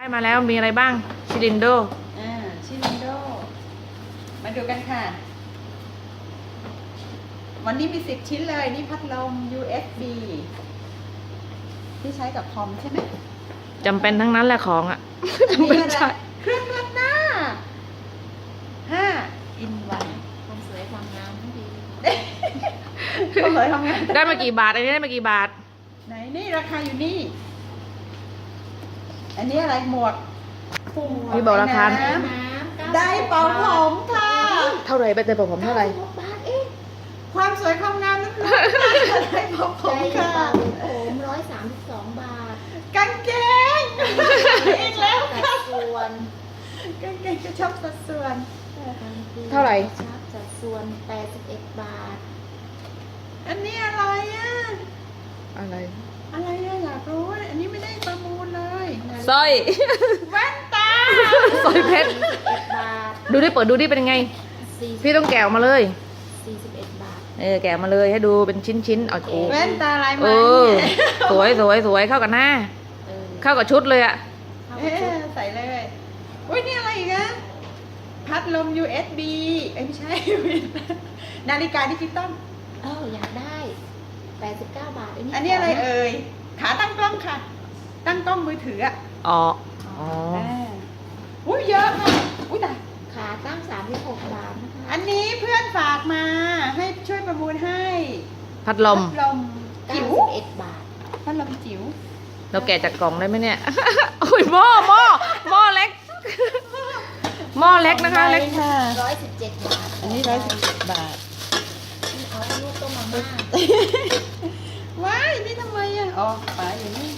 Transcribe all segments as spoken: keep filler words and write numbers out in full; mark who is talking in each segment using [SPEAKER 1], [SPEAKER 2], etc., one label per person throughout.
[SPEAKER 1] ได้มาแล้วมีอะไรบ้างชิลินโด
[SPEAKER 2] อ่าชิลินโดมาดูกันค่ะ วันนี้มีสิบชิ้นเลยนี่พัดลม ยู เอส บี ที่ใช้กับคอมใช่ไหม
[SPEAKER 1] จำเป็นทั้งนั้นแหละของอ่ะจำเป็นใช่
[SPEAKER 2] เครื่องนวดหน้าห้าอินวัน
[SPEAKER 3] ความสวยความงามทั้งดี
[SPEAKER 2] ก็เลยทำงาน
[SPEAKER 1] ได้มากี่บาทอันนี้ได้มากี่บาท
[SPEAKER 2] ไหนนี่ราคาอยู่นี่ อันนี้อะไรหมวก
[SPEAKER 1] มีบอกราคา
[SPEAKER 2] น้ำได้เป่าผมค่ะ
[SPEAKER 1] เท่าไหร่เป็นแต่ผมเท่าไหร่
[SPEAKER 3] บาทเอง
[SPEAKER 2] ความสวยความงามนั่นคือได้เป่าผม
[SPEAKER 3] ใจ
[SPEAKER 2] ค่ะ
[SPEAKER 3] เป่าผมร้อยสามสิบสองบาท
[SPEAKER 2] กางเกงอีกแล้ว
[SPEAKER 3] สั
[SPEAKER 2] ค่ะ
[SPEAKER 3] ดส่วน
[SPEAKER 2] กางเกงจะชอบสัดส่วน
[SPEAKER 1] เท่าไหร่
[SPEAKER 3] ชับสัดส่วนแปดสิบเอ็ดบาท
[SPEAKER 2] อันนี้อะไรอ่ะ
[SPEAKER 1] อะไร
[SPEAKER 2] อะไรอะอยากรู้อะอันนี้ไม่ได้ประมูลเลย
[SPEAKER 1] สร้อย
[SPEAKER 2] แว่นตา
[SPEAKER 1] สร้อยเพชร
[SPEAKER 3] สี่สิบเอ็ดบาท
[SPEAKER 1] ดูดิเปิดดูดิเป็นยังไง
[SPEAKER 3] สี่
[SPEAKER 1] พี่ต้องแกะออกมาเลย
[SPEAKER 3] สี่สิบเอ็ดบาท
[SPEAKER 1] เออแกะมาเลยให้ดูเป็นชิ้นชิ้นๆเอาโอ้
[SPEAKER 2] แว่นตาลายไม้
[SPEAKER 1] เออ
[SPEAKER 2] เนี่ย
[SPEAKER 1] สวยสวยสวยเข้ากับหน้า
[SPEAKER 3] เออ
[SPEAKER 1] เข้ากับชุดเลยอ่ะ
[SPEAKER 3] เข้า
[SPEAKER 2] เอ๊
[SPEAKER 3] กับชุด
[SPEAKER 2] ะใส่เลยอุ้ยนี่อะไรอีกอะพัดลม ยู เอส บี เอ้ยไม่ใช่ นาฬิกาดิจิตอล
[SPEAKER 3] เอออยากได้แปดสิบเก้าบาท
[SPEAKER 2] อันนี้อะไรเอ่ย ขาตั้งกล้องค่ะ ตั้งกล้องมือถืออะ
[SPEAKER 1] อ๋ออ๋อ
[SPEAKER 2] าอุ้ยเยอะค่ะอุ้ยตาย
[SPEAKER 3] ขาตั้งสามสิบหกบาทนะคะ
[SPEAKER 2] อันนี้เพื่อนฝากมาให้ช่วยประมูลให้
[SPEAKER 1] พัดลม
[SPEAKER 2] พัดลม
[SPEAKER 3] เก้า
[SPEAKER 2] จิ๋ว
[SPEAKER 3] สิบเอ็ดบาท
[SPEAKER 2] พัดลมจิ๋ว
[SPEAKER 1] เราแกะจากกล่องได้ไหมเนี่ย โอ้ยหม้อหม้อหม้อเล็ก หม้อเล็กนะคะเล็ก
[SPEAKER 2] ค่ะ
[SPEAKER 3] ร้อยสิบเจ็ดบาท
[SPEAKER 2] อันนี้ร้อยสิบเจ็ดบาท
[SPEAKER 3] นี่เอาลูกต้มมาม่า
[SPEAKER 2] ว้ายนี่ทำไมอ่ะอ๋อฝาอยู่นี่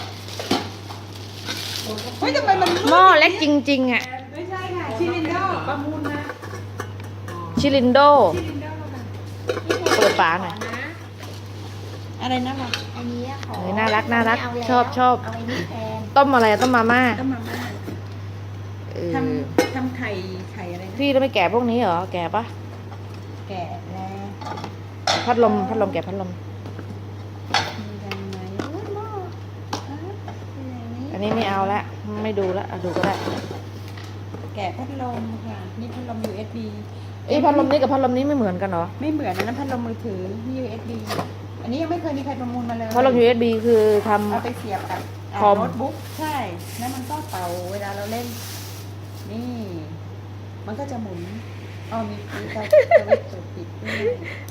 [SPEAKER 2] เฮ้ยทำไมมัน
[SPEAKER 1] หม้อเล็กจริงๆอ่ะ
[SPEAKER 2] ไม่ใช่ค่ะชิลินโดประมูลมา
[SPEAKER 1] ชิลินโด
[SPEAKER 2] ชิลินโดค่ะ
[SPEAKER 1] เปิดฝาหน่อย
[SPEAKER 3] นะ
[SPEAKER 2] อะไรนะคะ
[SPEAKER 3] อันนี้ขอ
[SPEAKER 1] เฮ้ยน่ารักน่ารัก
[SPEAKER 3] ไม่เาแล้ว
[SPEAKER 1] ชอบชอบ
[SPEAKER 3] เอาไอ้นี่แทน
[SPEAKER 1] ต้มอะไรอะต้มมาม่า
[SPEAKER 2] ต้มมาม่า
[SPEAKER 1] เออ
[SPEAKER 2] ทำทำไข่ไข่อะไรนะ
[SPEAKER 1] พี่แล้วไม่แกะพวกนี้เหรอ แกะปะ
[SPEAKER 2] แกะแล้ว
[SPEAKER 1] พัดลมพัดลมแกะพัดลม
[SPEAKER 2] มียังไงโอ้ยหม้ออ่ะเป็นอย่างนี้
[SPEAKER 1] อันนี้ไม่เอาละไม่ดูละอ่ะดูก็ได้
[SPEAKER 2] แกะพัดลมค่ะนี่พัดลม ยู เอส บี
[SPEAKER 1] เอ้ยพัดลมนี้กับพัดลมนี้ไม่เหมือนกันเหรอ
[SPEAKER 2] ไม่เหมือนอันนั้นพัดลมมือถือ ยู เอส บี อันนี้ยังไม่เคยมีใครประมูลมาเลย
[SPEAKER 1] พัดลม ยู เอส บี คือทำ
[SPEAKER 2] เอาไปเสียบกับอ่า
[SPEAKER 1] คอม
[SPEAKER 2] โน้ตบุ๊กใช่แล้วมันก็เป่าเวลาเราเล่น นี่ มันก็จะหมุนอ๋อมีมีการสวิตช์เปิดปิดด้วย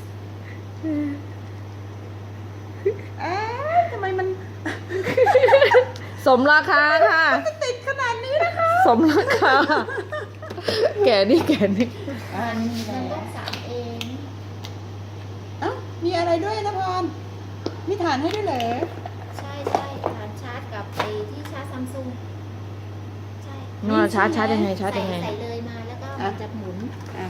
[SPEAKER 2] อ้าวทำไมมัน
[SPEAKER 1] สมราคาค่ะ
[SPEAKER 2] จะติดขนาดนี้นะคะ
[SPEAKER 1] สมราคา แกะนี่แกะนี่
[SPEAKER 2] อ่านี่มี
[SPEAKER 3] มัน
[SPEAKER 2] แล้
[SPEAKER 3] ต้อ
[SPEAKER 2] ว
[SPEAKER 3] งสั่งเอง
[SPEAKER 2] เอ้ามีอะไรด้วยนะพรมีฐานให้ด้วยเหรอ
[SPEAKER 3] ใช่ใช่ฐานชาร์จกับไอ้ที่ชาร์จซัมซุงใช่
[SPEAKER 1] นวดชาร์จชาร์จยังไงชาร์จยังไง
[SPEAKER 3] ใส่เลยมาแล้วก็มันจะหมุน
[SPEAKER 2] อ่ะ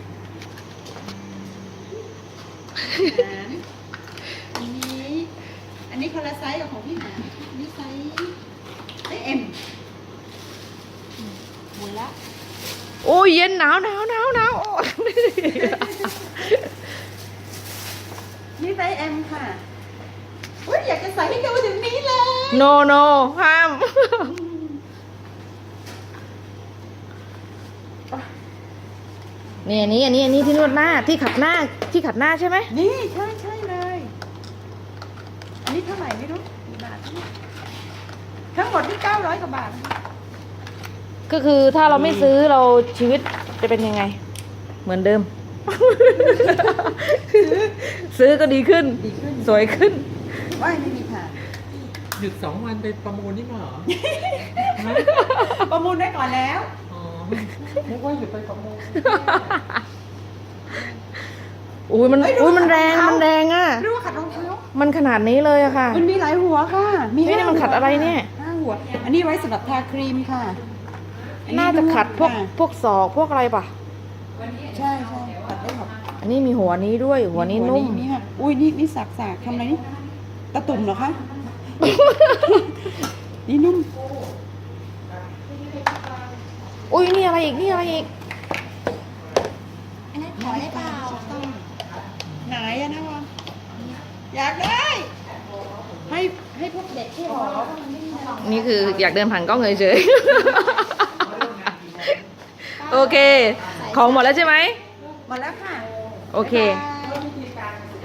[SPEAKER 2] ฐานอันนี้ อันนี้คนละไซส์กับของพี่หาอันนี้ไซส์ไซส์เอ็มหมุนละ
[SPEAKER 1] โอ้ยเย็นหนาวหนาวหนาวหนาวโอ้ย
[SPEAKER 2] นี่ไซส์ M ค่ะอุ้ยอยากจะใส่ให้ดูถึงนี้เลย
[SPEAKER 1] โนโนห้าม นี่อันนี้อันนี้อันนี้ที่นวดหน้าที่ขัดหน้าที่ขัดหน้าใช่ไหม
[SPEAKER 2] นี่ใช่ใช่เลย อันนี้เท่าไหร่ไม่รู้กี่บาทเนี่ยทั้งหมดที่เก้าร้อยกว่าบาท
[SPEAKER 1] ก็คือถ้าเราไม่ซื้อเราชีวิตจะเป็นยังไง เหมือนเดิม ซื้อก็ดีขึ้น
[SPEAKER 2] ดีขึ้น
[SPEAKER 1] สวยขึ้น
[SPEAKER 2] ว่ายไม่มีค่ะ
[SPEAKER 4] หยุดสองวันไปประมูลนี่มาเหรอ
[SPEAKER 2] ประมูลได้ก่อนแล้ว
[SPEAKER 4] อ๋อนึกว่าหยุดไปประมูล
[SPEAKER 1] อุ้ยมัน
[SPEAKER 2] เฮ้ยดู
[SPEAKER 1] อุ้ยมันแรง
[SPEAKER 2] ขัดรองเท้ามั
[SPEAKER 1] มันแรงอ่ะ
[SPEAKER 2] เรียกว่าขัดรองเท้า
[SPEAKER 1] มันขนาดนี้เลยอะค่ะ
[SPEAKER 2] มันมีหลายหัวค่ะ มี
[SPEAKER 1] เฮ้ยนี่มันขัดอะไรเนี่ย
[SPEAKER 2] ห้าหัว อันนี้ไว้สำหรับทาครีมค่ะอั
[SPEAKER 1] น่าจะขัดพวก
[SPEAKER 2] ค่ะ
[SPEAKER 1] พวกศอกพวกอะไรป่ะ
[SPEAKER 2] ใช่ใช่ขัดได้หมด
[SPEAKER 1] อันนี้มีหัวนี้ด้วยหัวนี้นุ่ม
[SPEAKER 2] นี่ค่ะอุ้ยนี่นี่สักสากทำอะไรนี่ตะตุ่มเหรอคะ นี่นุ่ม
[SPEAKER 1] อุ้ยนี่อะไรอีกนี่อะไรอีก
[SPEAKER 3] อันนั้นขอได้เปล่า
[SPEAKER 2] ไหนอะนะวะอยากได้ ให้ให้พวกเด็กที่หอ
[SPEAKER 3] มันไม่มีของ
[SPEAKER 1] นี่คืออยากเดินผ่านกล้องเฉยๆ โอเค ของหมดแล้วใช่ไหม
[SPEAKER 2] หมดแล้วค่ะ
[SPEAKER 1] โอเค
[SPEAKER 2] บ๊ายบาย